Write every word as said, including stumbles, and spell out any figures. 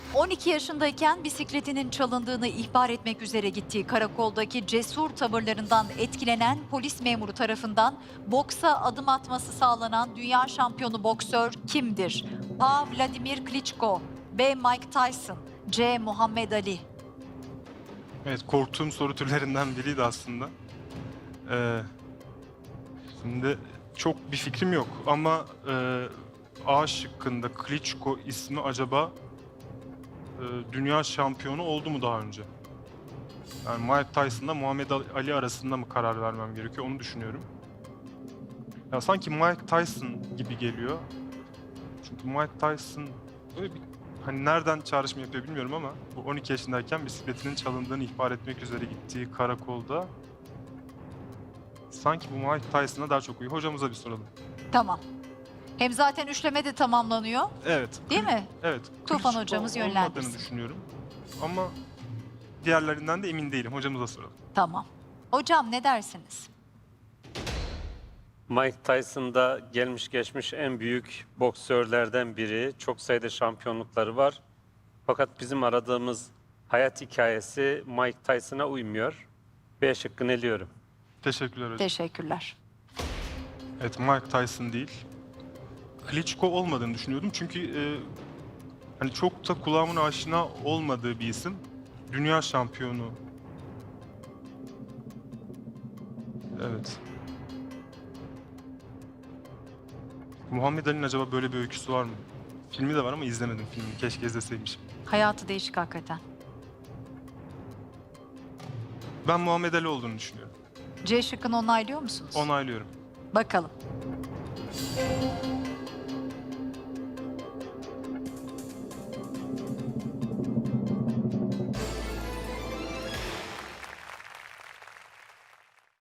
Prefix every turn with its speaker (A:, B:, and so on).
A: on iki yaşındayken bisikletinin çalındığını ihbar etmek üzere gittiği karakoldaki cesur tavırlarından etkilenen polis memuru tarafından boksa adım atması sağlanan dünya şampiyonu boksör kimdir? A. Vladimir Klitschko, B. Mike Tyson, C. Muhammed Ali.
B: Evet, korktuğum soru türlerinden biriydi aslında. Ee, şimdi çok bir fikrim yok ama e, A şıkkında Klitschko ismi acaba e, dünya şampiyonu oldu mu daha önce? Yani Mike Tyson'la Muhammed Ali arasında mı karar vermem gerekiyor onu düşünüyorum. Ya sanki Mike Tyson gibi geliyor. Çünkü Mike Tyson böyle bir hani nereden çağrışım yapıyor bilmiyorum ama bu on iki yaşındayken bisikletinin çalındığını ihbar etmek üzere gittiği karakolda sanki bu Mike Tyson'a daha çok uyuyor. Hocamıza bir soralım.
A: Tamam. Hem zaten üçleme de tamamlanıyor.
B: Evet.
A: Değil mi?
B: Evet.
A: Tufan
B: Klitschko
A: hocamız
B: olmadığını
A: yönlendirsin.
B: düşünüyorum. Ama diğerlerinden de emin değilim. Hocamıza soralım.
A: Tamam. Hocam ne dersiniz?
C: Mike Tyson da gelmiş geçmiş en büyük boksörlerden biri. Çok sayıda şampiyonlukları var. Fakat bizim aradığımız hayat hikayesi Mike Tyson'a uymuyor. B şıkkını eliyorum.
B: Teşekkürler hocam.
A: Teşekkürler.
B: Evet, Mike Tyson değil. Klitschko olmadığını düşünüyordum çünkü e, hani çok da kulağımın aşina olmadığı bir isim. Dünya şampiyonu. Evet. Muhammed Ali'nin acaba böyle bir öyküsü var mı? Filmi de var ama izlemedim filmini. Keşke izleseymişim.
A: Hayatı değişik hakikaten.
B: Ben Muhammed Ali olduğunu düşünüyorum.
A: C şıkkını onaylıyor musunuz?
B: Onaylıyorum.
A: Bakalım.